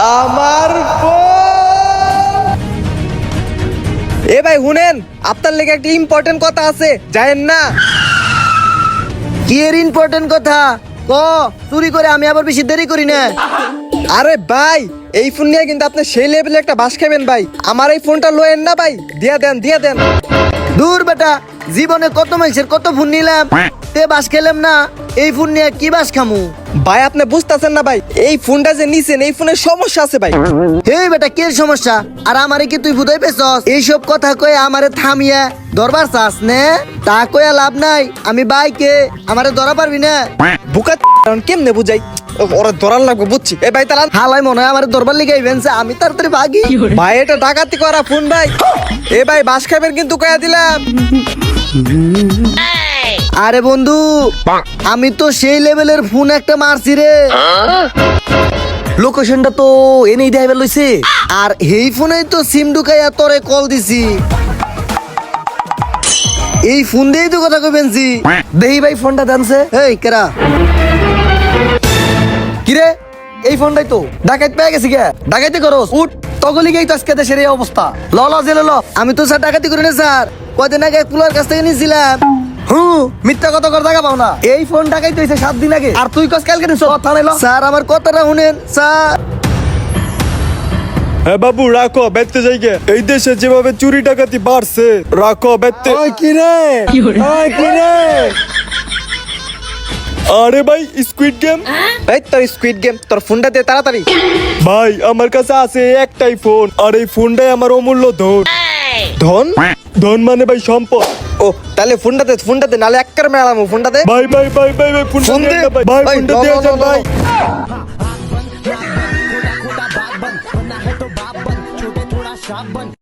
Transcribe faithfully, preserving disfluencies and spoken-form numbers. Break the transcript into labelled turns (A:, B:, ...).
A: আমার ফোন। এ ভাই শুনেন, আপনার লেগে একটা ইম্পর্টেন্ট কথা আছে, জানেন না?
B: কি এর ইম্পর্টেন্ট কথা ক? চুরি করে আমি আবার বেশি দেরি করি না।
A: আরে ভাই, এই ফোন নিয়ে কিন্তু আপনি সেই লেভেলে একটা বাস খাবেন ভাই। আমার এই ফোনটা লয়েন না ভাই, দিয়া দেন দিয়া দেন।
B: দূর বেটা, জীবনে কত মানুষের কত ফোন নিলাম, তে বাস খেলাম না। এই ফোন নিয়ে কি বাস খামু?
A: ভাই আপনি বুঝতেছেন না ভাই, এই ফোনটা যে নিছেন এই ফোনের সমস্যা আছে ভাই।
B: হেই বেটা, কি এর সমস্যা? আর আমারে কি তুই বুঝাই পেছস? এইসব কথা কয়ে আমারে থামিয়া দরবার চাস নে? তা কয়ে লাভ নাই। আমি বাইকে, আমারে ধরা পারবি না।
A: বুকা কারণ কেমনে বুঝাই, ওরা ধরার লাগবে বুঝছি। এ ভাই তারা
B: হালাই মনে হয় আমারে ধরবার লিগে ইভেন্টস, আমি তাড়াতাড়ি ভাগি।
A: ভাই এটা ডাকাতি করা ফোন ভাই। এ ভাই বাস খাবেন কিন্তু কয়া দিলাম।
B: আরে বন্ধু, আমি তো সেই লেভেলের ফোন একটা মারছি রে। লোকেশনটা তো এনেই দেখাইবার লইছে, আর এই ফোনেই তো সিম ঢুকাইয়া তোরে কল দিছি। এই ফোন দিয়েই তো কথা কইবেনছি। দেহি ভাই ফোনটা দানছে। এই কেরা? কিরে, এই ফোনটাই তো ডাকাইত পেয়ে গেছি গে। ডাকাইতে করস উঠ, তগলি গেই তো আজকে দেশের এই অবস্থা। ল ল জেলে ল। আমি তো স্যার ডাকাতি করি না স্যার, কয়দিন আগে কুলার কাছ থেকে নিয়েছিলাম। হুম, মিথ্যা কথা কর জায়গা পাও না। এই ফোন ডাকাইতে হইছে সাত দিন আগে, আর তুই কস কালকে নিছ। থানায় ল। স্যার আমার কথাটা শুনেন স্যার।
C: হ্যাঁ বাবু, রাখো বেচতে যাইগে। এই দেশে যেভাবে চুরি ডাকাতি বাড়ছে, রাখো বেচতে।
B: ওই কিরে, ওই কিরে।
C: আরে ভাই, স্কুইড গেম।
A: এই তোর স্কুইড গেম, তোর ফোনটা দে তাড়াতাড়ি।
C: ভাই আমার কাছে আছে একটাই ফোন, আর এই ফোনটাই আমার অমূল্য ধন।
A: ধন?
C: ধন মানে ভাই সম্পদ।
A: ও তাহলে ফোনটা দে, ফোনটা দে, নালে একবার মেলামু। ফোনটা দে।
C: ভাই ভাই ভাই ভাই ভাই ফোনটা
A: ফোন
C: দিয়ে
A: দে।
C: দাও ভাই। ভাই
A: ভাই,
C: ফোনটা
A: ল,
C: দিয়ে
A: ল,
C: যান
A: ল, ল।
C: ভাই।